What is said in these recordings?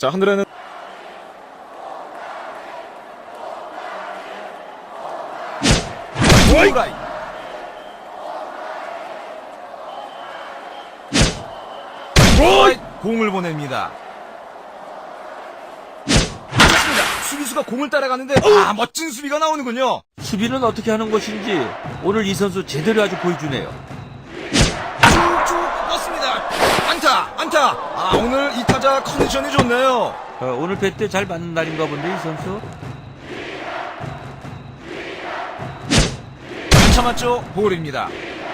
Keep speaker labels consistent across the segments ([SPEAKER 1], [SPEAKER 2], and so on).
[SPEAKER 1] 자, 하늘에는
[SPEAKER 2] 스트라이크. 공을 보냅니다. 좋습니다. 수비수가 공을 따라가는데 멋진 수비가 나오는군요.
[SPEAKER 3] 수비는 어떻게 하는 것인지 오늘 이 선수 제대로 아주 보여주네요.
[SPEAKER 2] 쭉쭉 뻗습니다. 안타. 오늘 이 타자 컨디션이 좋네요.
[SPEAKER 3] 오늘 배 때 잘 맞는 날인가 본데 이 선수.
[SPEAKER 2] 안 참았죠? 볼입니다.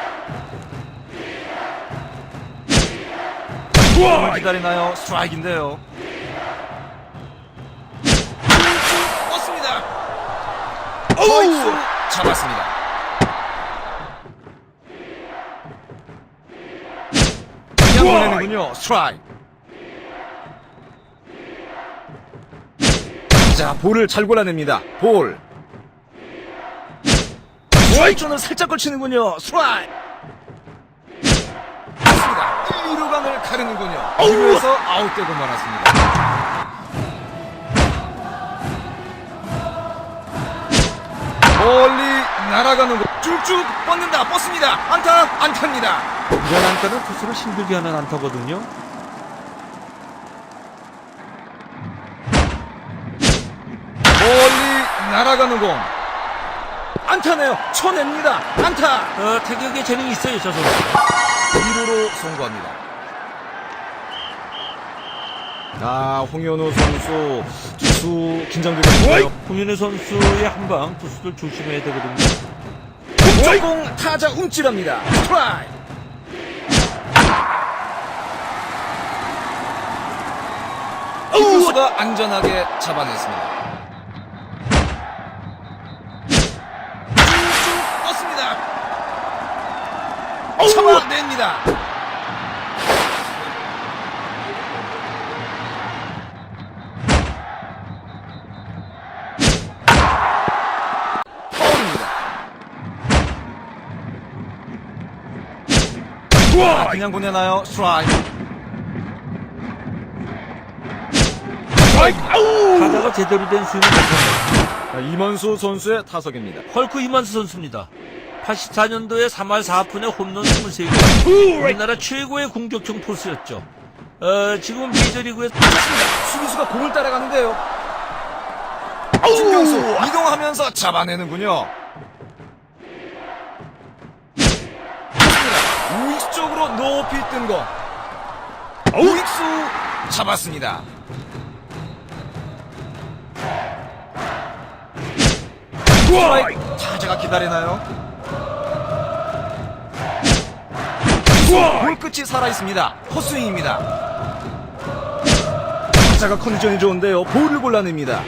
[SPEAKER 2] 기다리나요? 스트라이크인데요. 쭉쭉 뻗습니다. 스트라이크 잡았습니다. 그냥 보내는군요. 스트라이크. 자, 볼을 잘 골라냅니다. 볼. 스트라이크존을 살짝 걸치는군요. 스트라이크. 맞습니다. 1, 2루간을 가르는군요. 2루에서 아웃되고 말았습니다. 멀리 날아가는 거 쭉쭉 뻗습니다. 안타입니다.
[SPEAKER 3] 이런 안타는 투수를 힘들게 하는 안타거든요.
[SPEAKER 2] 멀리 날아가는 공 안타네요. 쳐냅니다. 안타.
[SPEAKER 3] 타격에 재능이 있어요 저 선수.
[SPEAKER 2] 2루로 송구합니다. 홍현우 선수 투수 긴장되겠는데요.
[SPEAKER 3] 홍윤혜 선수의 한방 투수들 조심해야 되거든요.
[SPEAKER 2] 공타자 움찔합니다. 스트라이크. 투수가 안전하게 잡아냈습니다. 쭉쭉 뻗습니다. 잡아냅니다. 파울입니다. 그냥 보내나요? 스트라이크.
[SPEAKER 3] 타자가 제대로 된 스윙을 못합니다.
[SPEAKER 2] 이만수 선수의 타석입니다.
[SPEAKER 3] 헐크 이만수 선수입니다. 84년도에 3할 4푼에 홈런 23개. 우리나라 최고의 공격형 포수였죠. 지금은 메이저리그에
[SPEAKER 2] 수비수가 공을 따라가는데요. 중경수 이동하면서 잡아내는군요. 좋습니다. 우익수 쪽으로 높이 뜬 거. 우익수 잡았습니다. 스트라이크. 타자가 기다리나요? 볼 끝이 살아있습니다. 헛스윙입니다. 타자가 컨디션이 좋은데요. 볼을 골라냅니다.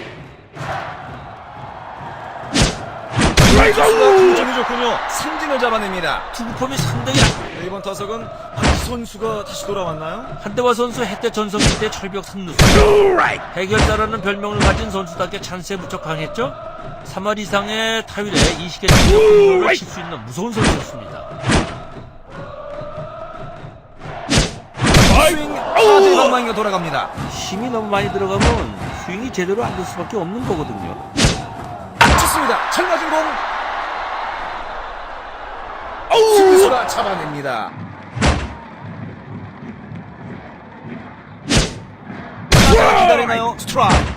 [SPEAKER 2] 컨디션이 좋군요. 삼진을 잡아냅니다.
[SPEAKER 3] 투구폼이 상당히
[SPEAKER 2] 이번 타석은 이 선수가 다시 돌아왔나요?
[SPEAKER 3] 한대화 선수 해태 전성기 때 철벽 3루수 해결자라는 별명을 가진 선수답게 찬스에 무척 강했죠. 3할 이상의 타율에 20개 정도 홈런을 칠 수 있는 무서운 선수였습니다.
[SPEAKER 2] 스윙 타자 방망이가 돌아갑니다.
[SPEAKER 3] 힘이 너무 많이 들어가면 스윙이 제대로 안 될 수밖에 없는 거거든요.
[SPEAKER 2] 좋습니다. 잘 맞은 공. 수비수가 잡아냅니다. 타자가 기다리나요? 스트라이크.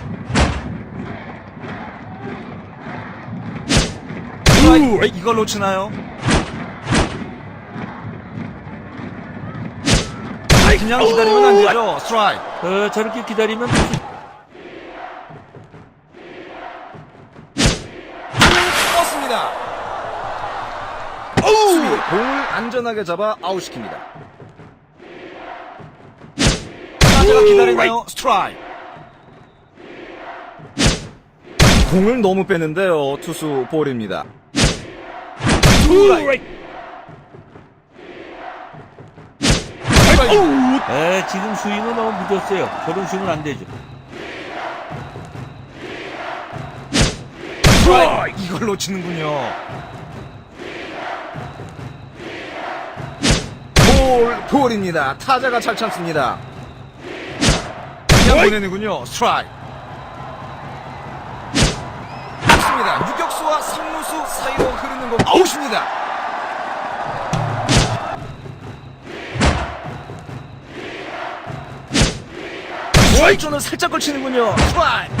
[SPEAKER 2] 이걸 놓치나요? 그냥 기다리면 안 되죠. 스트라이크.
[SPEAKER 3] 저렇게 기다리면
[SPEAKER 2] 뻗습니다. 수비 공을 안전하게 잡아 아웃시킵니다. 타자가 기다리나요? 스트라이크. 공을 너무 빼는데요. 투수 볼입니다.
[SPEAKER 3] 지금 스윙은 너무 늦었어요. 저런 스윙은 안 되죠.
[SPEAKER 2] 이걸 놓치는군요. 볼입니다. 타자가 잘 참습니다. 그냥 보내는군요. 스트라이크. 맞습니다. 유격수와 3루수 사이로 흐르는 공 아웃입니다. 스트라이크는 살짝 걸치는군요. 스트라이크.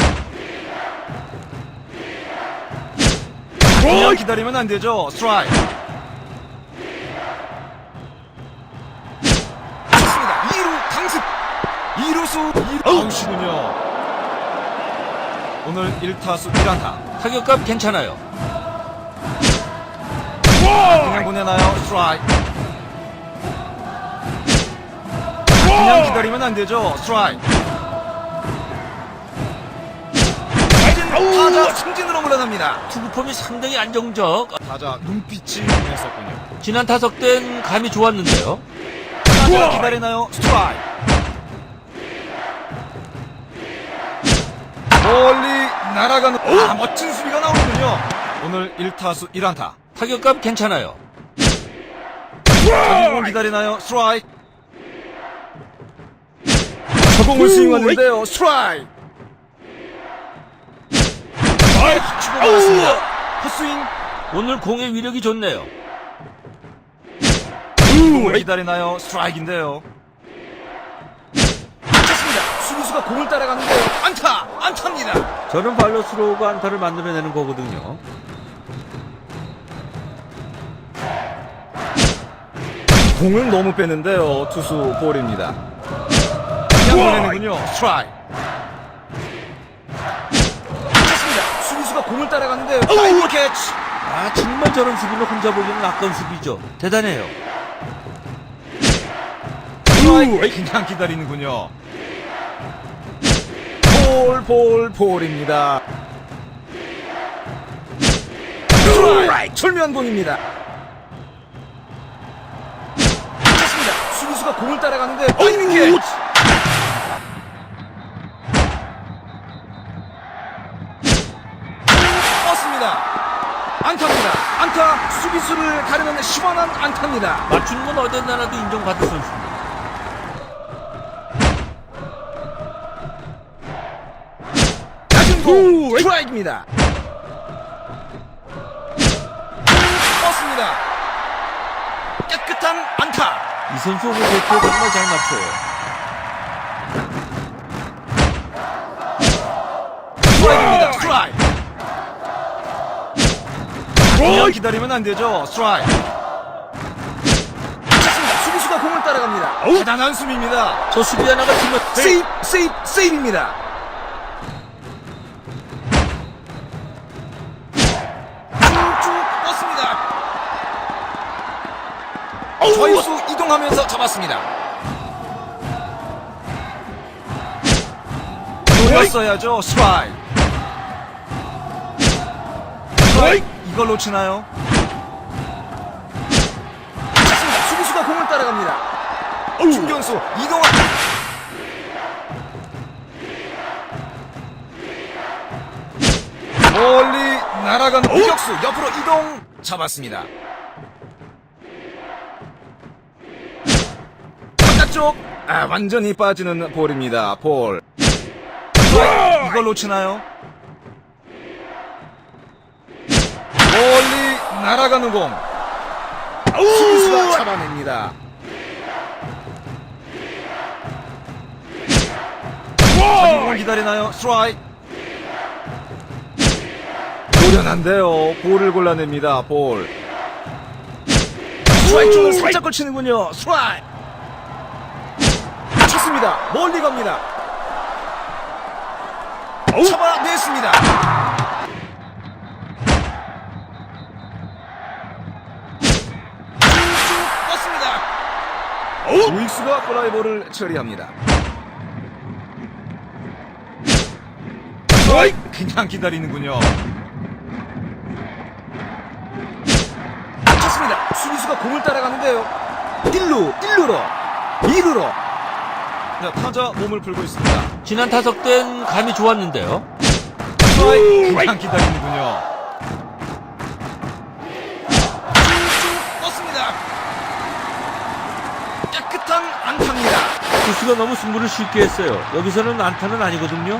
[SPEAKER 2] 그냥 기다리면 안 되죠. 스트라이크. 맞습니다. 2루 강습. 2루수 아웃이군요. 오늘 1타수 1안타.
[SPEAKER 3] 타격감 괜찮아요.
[SPEAKER 2] 그냥 보내나요? 스트라이크. 그냥 기다리면 안 되죠. 스트라이크. 타자 승진으로 물러납니다.
[SPEAKER 3] 투구폼이 상당히 안정적.
[SPEAKER 2] 타자 눈빛이 변했었군요.
[SPEAKER 3] 지난 타석 땐 감이 좋았는데요.
[SPEAKER 2] 타자 기다리나요? 스트라이크. 멀리 날아가는 멋진 수비가 나오는군요. 오늘 1타수 1안타.
[SPEAKER 3] 타격감 괜찮아요.
[SPEAKER 2] 자기공 기다리나요? 스트라이크. 저공을 스윙하는데요. 스트라이크. 치고 나갔습니다. 헛스윙.
[SPEAKER 3] 오늘 공의 위력이 좋네요.
[SPEAKER 2] 공을 기다리나요? 스트라이크인데요. 맞습니다. 수비수가 공을 따라가는데요. 안타! 안타입니다.
[SPEAKER 3] 저는 발로 스로우가 안타를 만들어내는 거거든요.
[SPEAKER 2] 공을 너무 빼는데요. 투수 볼입니다. 그냥 보내는군요. 스트라이크. 맞습니다. 수비수가 공을 따라가는데요. 파이브 캐치.
[SPEAKER 3] 아, 정말 저런 수비는 혼자 보기는 아까운 수비죠. 대단해요.
[SPEAKER 2] 스트라이크. 그냥 기다리는군요. 볼입니다. 스트라이크. 철면공입니다. 맞습니다. 수비수가 공을 따라가는데 파이브 캐치. 뻗습니다. 안타입니다. 안타. 수비수를 가르는 시원한 안타입니다.
[SPEAKER 3] 맞추는 건 어디 나라도 인정받을 선수입니다.
[SPEAKER 2] 낮은 공 스트라이크입니다. 뻗습니다. 깨끗한 안타.
[SPEAKER 3] 이 선수 오늘 배트에 정말 잘 맞춰요.
[SPEAKER 2] 스트라이크입니다. 스트라이크. 그냥 기다리면 안 되죠. 스트라이크. 맞습니다. 수비수가 공을 따라갑니다. 대단한 수비입니다.
[SPEAKER 3] 저 수비 하나가 팀을
[SPEAKER 2] 세이브입니다. 쭉 뻗습니다. 좌익수 이동하면서 잡았습니다. 노렸어야죠. 스트라이크. 이걸 놓치나요? 맞습니다. 수비수가 공을 따라갑니다. 중견수 이동한 멀리 날아가는 유격수 옆으로 이동 잡았습니다. 바깥쪽 완전히 빠지는 볼입니다. 볼. 이걸 놓치나요? 멀리 날아가는 공 수비수가 잡아냅니다. 자기공을 기다리나요? 스트라이크. 노련한데요. 볼을 골라냅니다. 볼. 스트라이크 쪽을 살짝 걸치는군요. 스트라이크. 쳤습니다. 멀리 갑니다. 잡아냈습니다. 우익수가 플라이볼을 처리합니다. 그냥 기다리는군요. 쳤습니다. 수비수가 공을 따라가는데요. 1루로 2루로. 자, 타자 몸을 풀고 있습니다.
[SPEAKER 3] 지난 타석 땐 감이 좋았는데요.
[SPEAKER 2] 그냥 기다리는군요. 뻗습니다. 깨끗한 안타입니다.
[SPEAKER 3] 투수가 너무 승부를 쉽게 했어요. 여기서는 안타는 아니거든요.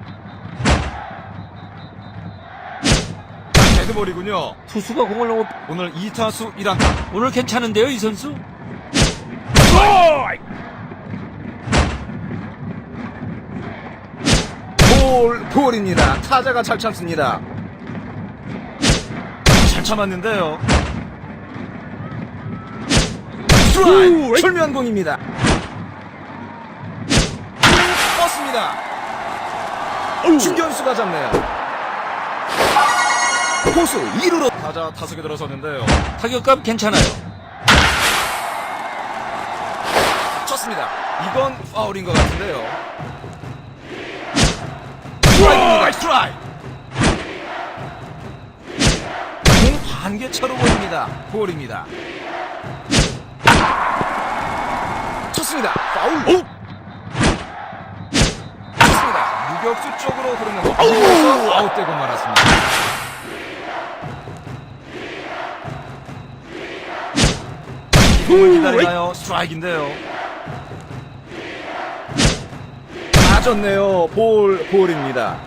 [SPEAKER 2] 데드볼이군요.
[SPEAKER 3] 투수가 공을 너무
[SPEAKER 2] 오늘 2타수 1안타.
[SPEAKER 3] 오늘 괜찮은데요, 이 선수?
[SPEAKER 2] 볼입니다. 타자가 잘 참습니다. 잘 참았는데요. 스트라이크! 철면 공입니다. 뻗습니다. 중견수가 잡네요. 포수 2루로 타자 타석에 들어섰는데요.
[SPEAKER 3] 타격감 괜찮아요.
[SPEAKER 2] 쳤습니다. 이건 파울인 것 같은데요. 스트라이크입니다. 스트라이크. 공 반개차로 보입니다. 볼입니다. 쳤습니다. 파울. 쳤습니다. 유격수 쪽으로 흐르는 거. 이어서 아웃되고 말았습니다. 이 공을 기다리나요? 스트라이크인데요. 맞았네요. 볼입니다.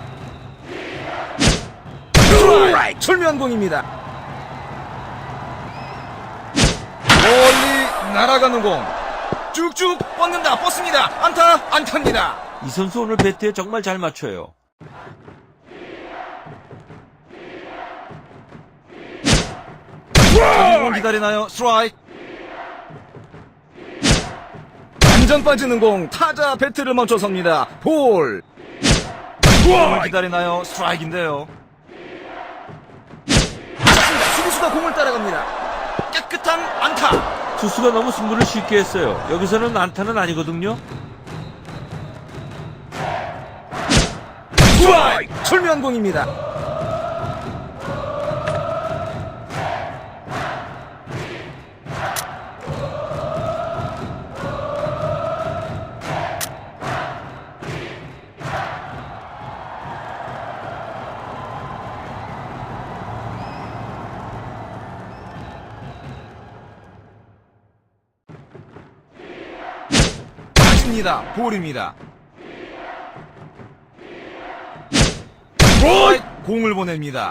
[SPEAKER 2] 스트라이크. 철면공입니다. 멀리 날아가는 공. 쭉쭉 뻗습니다. 안타입니다.
[SPEAKER 3] 이 선수 오늘 배트에 정말 잘 맞춰요.
[SPEAKER 2] 공 기다리나요? 스트라이크. 완전 빠지는 공. 타자 배트를 멈춰섭니다. 볼. 공을 기다리나요? 스트라이크인데요. 쳤습니다. 수비수가 공을 따라갑니다. 깨끗한 안타.
[SPEAKER 3] 투수가 너무 승부를 쉽게 했어요. 여기서는 안타는 아니거든요.
[SPEAKER 2] 스트라이크. 철면공입니다. 볼입니다. 공을 보냅니다.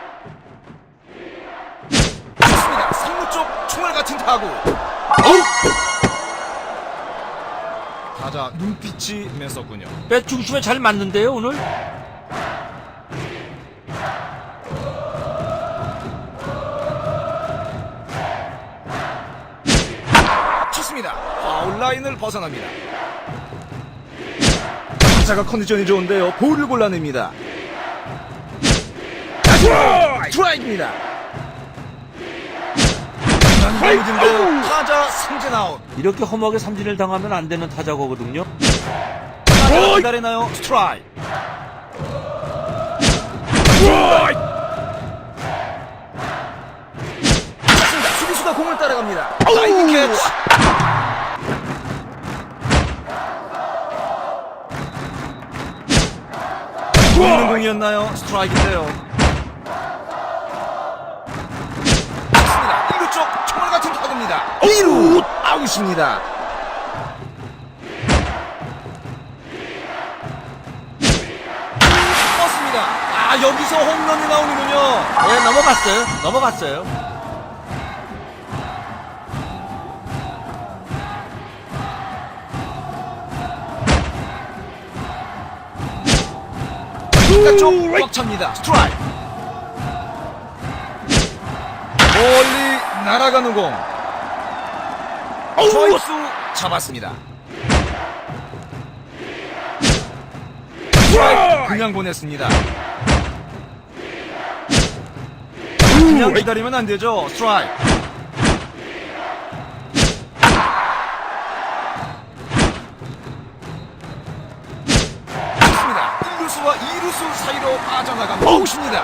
[SPEAKER 2] 좋습니다. 3루 쪽 총알 같은 타구. 타자 눈빛이 맸었군요.
[SPEAKER 3] 배 중심에 잘 맞는데요, 오늘?
[SPEAKER 2] 쳤습니다. 파울 라인을 벗어납니다. 타자가 컨디션이 좋은데요. 볼을 골라냅니다. 스트라이크입니다. 난감해진데요. 타자 삼진 아웃.
[SPEAKER 3] 이렇게 허무하게 삼진을 당하면 안 되는 타자거든요.
[SPEAKER 2] 타자가 기다리나요? 스트라이크. 쳤습니다. 수비수가 공을 따라갑니다. 나이스 캐치. 보이는 공이었나요? 스트라이크인데요. 맞습니다. 1루 쪽 총알 같은 타구입니다. 2루 아웃입니다. 떴습니다. 아, 여기서 홈런이 나오는군요.
[SPEAKER 3] 네, 넘어갔어요.
[SPEAKER 2] 바깥쪽 꽉 찹니다. 스트라이크. 멀리 날아가는 공. 좌익수 잡았습니다. 스트라이크 그냥 보냈습니다. 그냥 기다리면 안 되죠. 스트라이크. 좋습니다. 1루수와 2루수 사이로 빠져나갑니다. 아웃입니다.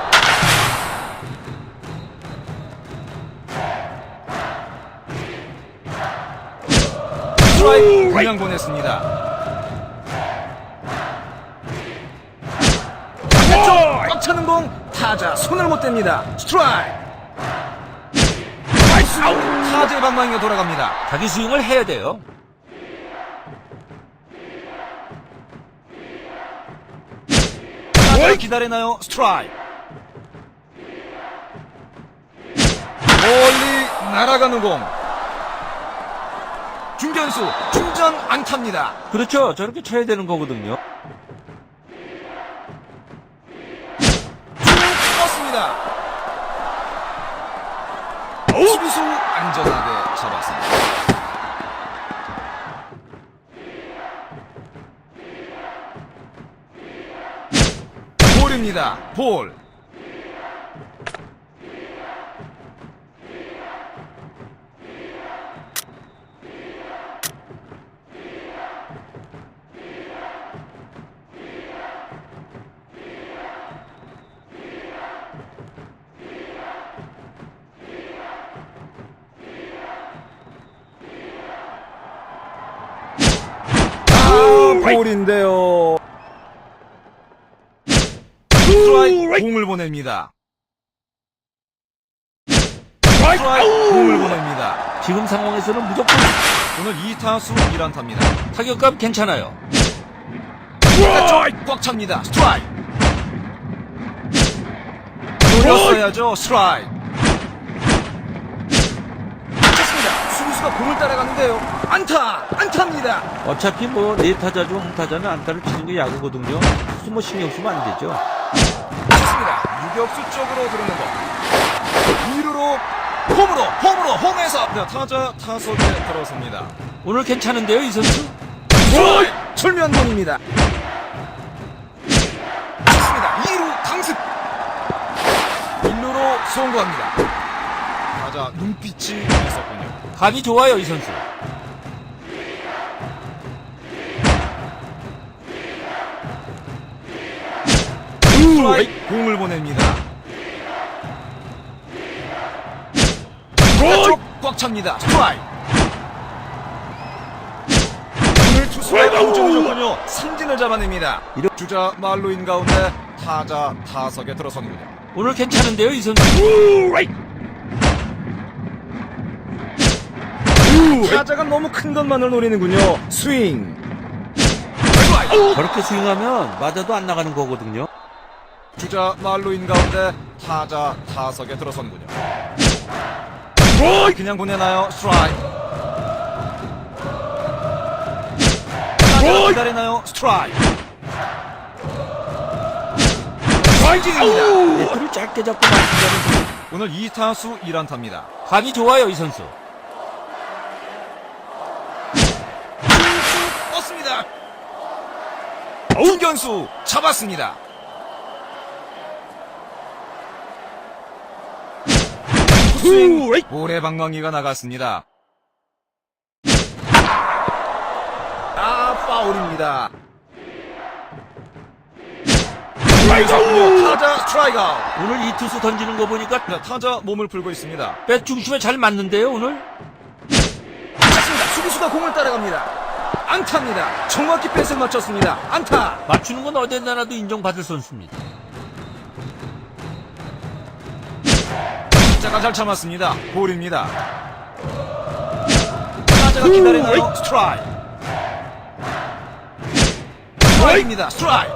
[SPEAKER 2] 스트라이크 그냥 보냈습니다. 바깥쪽 꽉 차는 공. 타자 손을 못 댑니다. 스트라이크. 타자의 방망이가 돌아갑니다.
[SPEAKER 3] 자기 스윙을 해야 돼요.
[SPEAKER 2] 타자 기다리나요? 스트라이크. 멀리 날아가는 공. 중견수 중전 안타입니다.
[SPEAKER 3] 그렇죠. 저렇게 쳐야 되는 거거든요.
[SPEAKER 2] 쭉 뻗습니다. 수비수 안전하게 잡았습니다. 볼입니다. 볼. 볼인데요. 스트라이크 공을 보냅니다. 스트라이크 공을 보냅니다.
[SPEAKER 3] 지금 상황에서는 무조건
[SPEAKER 2] 오늘 2타수 1안타입니다.
[SPEAKER 3] 타격감 괜찮아요.
[SPEAKER 2] 꽉 찹니다. 스트라이크. 돌렸어야죠. 스트라이크. 좋습니다. 수비수가 공을 따라가는데요. 안타입니다.
[SPEAKER 3] 어차피 뭐 네 타자 중 한 타자는 안타를 치는 게 야구거든요. 그래서 뭐 신경 쓰면 안 되죠.
[SPEAKER 2] 좋습니다. 유격수 쪽으로 들어오는 거. 2루로 홈에서 타자 타석에 들어섭니다.
[SPEAKER 3] 오늘 괜찮은데요, 이 선수?
[SPEAKER 2] 출면공입니다. 좋습니다. 2루 강습. 1루로 송구합니다. 타자 눈빛이 있었군요.
[SPEAKER 3] 감이 좋아요, 이 선수.
[SPEAKER 2] 스트라이크 공을 보냅니다. 꽉 찹니다. 스트라이크. 오늘 투수가 우중우중군요. 삼진을 잡아냅니다. 주자 말로인 가운데 타자 타석에 들어서는군요.
[SPEAKER 3] 오늘 괜찮은데요, 이 선수?
[SPEAKER 2] 타자가 너무 큰 것만을 노리는군요. 스윙.
[SPEAKER 3] 저렇게 스윙하면 맞아도 안 나가는 거거든요.
[SPEAKER 2] 주자 말로인 가운데 타자 타석에 들어서는군요. 그냥 보내나요? 스트라이크. 타자 기다리나요? 스트라이크. 스트라이크입니다.
[SPEAKER 3] 네트를 짧게 잡고 맞추자는
[SPEAKER 2] 오늘 2타수 1안타입니다.
[SPEAKER 3] 감이 좋아요, 이 선수.
[SPEAKER 2] 떴습니다. 중견수 잡았습니다. 스윙 볼의 방망이가 나갔습니다. 파울입니다. 타자 스트라이크 아웃.
[SPEAKER 3] 오늘 이 투수 던지는 거 보니까
[SPEAKER 2] 타자 몸을 풀고 있습니다.
[SPEAKER 3] 백 중심에 잘 맞는데요, 오늘?
[SPEAKER 2] 맞습니다. 수비수가 공을 따라갑니다. 안타입니다. 정확히 뺏을 맞췄습니다. 안타.
[SPEAKER 3] 맞추는 건 어디나 나도 인정받을 선수입니다.
[SPEAKER 2] 타자가 잘 참았습니다. 볼입니다. 타자가 기다리나요? 스트라이크. 스트라이크입니다. 스트라이크.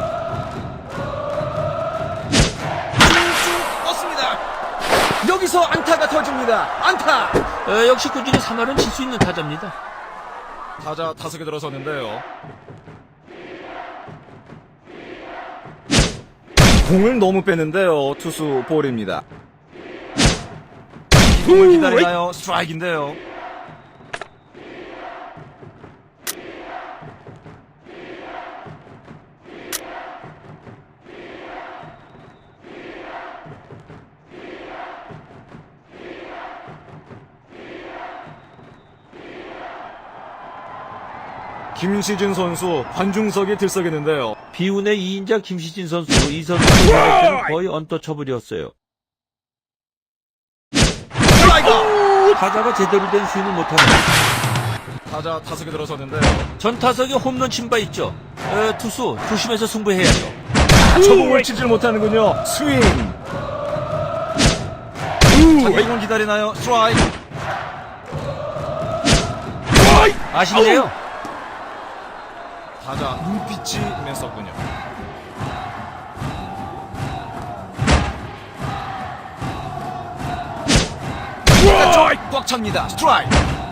[SPEAKER 2] 쭉쭉 떴습니다. 여기서 안타가 터집니다. 안타.
[SPEAKER 3] 역시 꾸준히 3할은 칠 수 있는 타자입니다.
[SPEAKER 2] 타자 타석에 들어섰는데요. 공을 너무 빼는데요. 투수 볼입니다. 이 공을 기다리나요? 스트라이크인데요. 김시진 선수 관중석에 들썩이는데요.
[SPEAKER 3] 비운의 2인자 김시진 선수, 이 선수의 공격은 거의 언터처블이었어요.
[SPEAKER 2] 스트라이크!
[SPEAKER 3] 타자가 제대로 된 스윙을 못하네요.
[SPEAKER 2] 타자 타석에 들어섰는데요.
[SPEAKER 3] 전 타석에 홈런 친 바 있죠. 투수 조심해서 승부해야죠.
[SPEAKER 2] 저 공을 치질 못하는군요. 스윙. 타격을 기다리나요? 스트라이크.
[SPEAKER 3] 아쉽네요.
[SPEAKER 2] 타자 눈빛이 맸었군요. 꽉 찹니다. 스트라이크.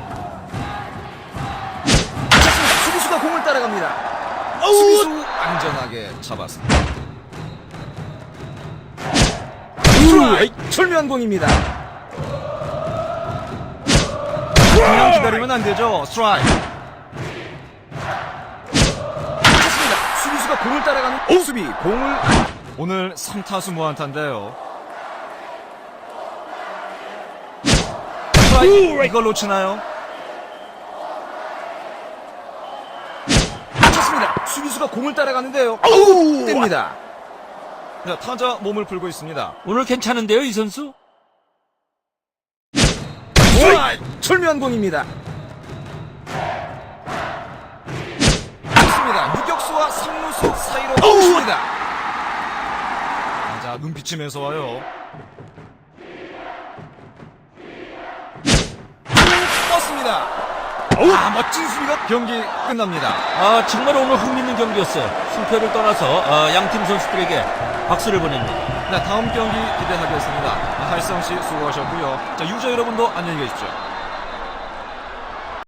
[SPEAKER 2] 찼습니다. 수비수가 공을 따라갑니다. 수비수 안전하게 잡았습니다. 스트라이크. 철묘한 공입니다. 그냥 기다리면 안 되죠. 스트라이크. 찼습니다. 수비수가 공을 따라가는 수비 공을 오늘 3타수 무안타인데요. 이걸 놓치나요? 쳤습니다. 수비수가 공을 따라가는데요. 뗍니다. 자, 타자 몸을 풀고 있습니다.
[SPEAKER 3] 오늘 괜찮은데요, 이 선수?
[SPEAKER 2] 철묘한 공입니다. 쳤습니다. 유격수와 3루수 사이로 쳤습니다. 자, 눈빛이 매서워요. 떴습니다. 멋진 수비가 경기 끝납니다.
[SPEAKER 3] 정말 오늘 흥미있는 경기였어요. 승패를 떠나서 양팀 선수들에게 박수를 보냅니다.
[SPEAKER 2] 네, 다음 경기 기대하겠습니다. 하이성 씨 수고하셨고요. 자, 유저 여러분도 안녕히 계십시오.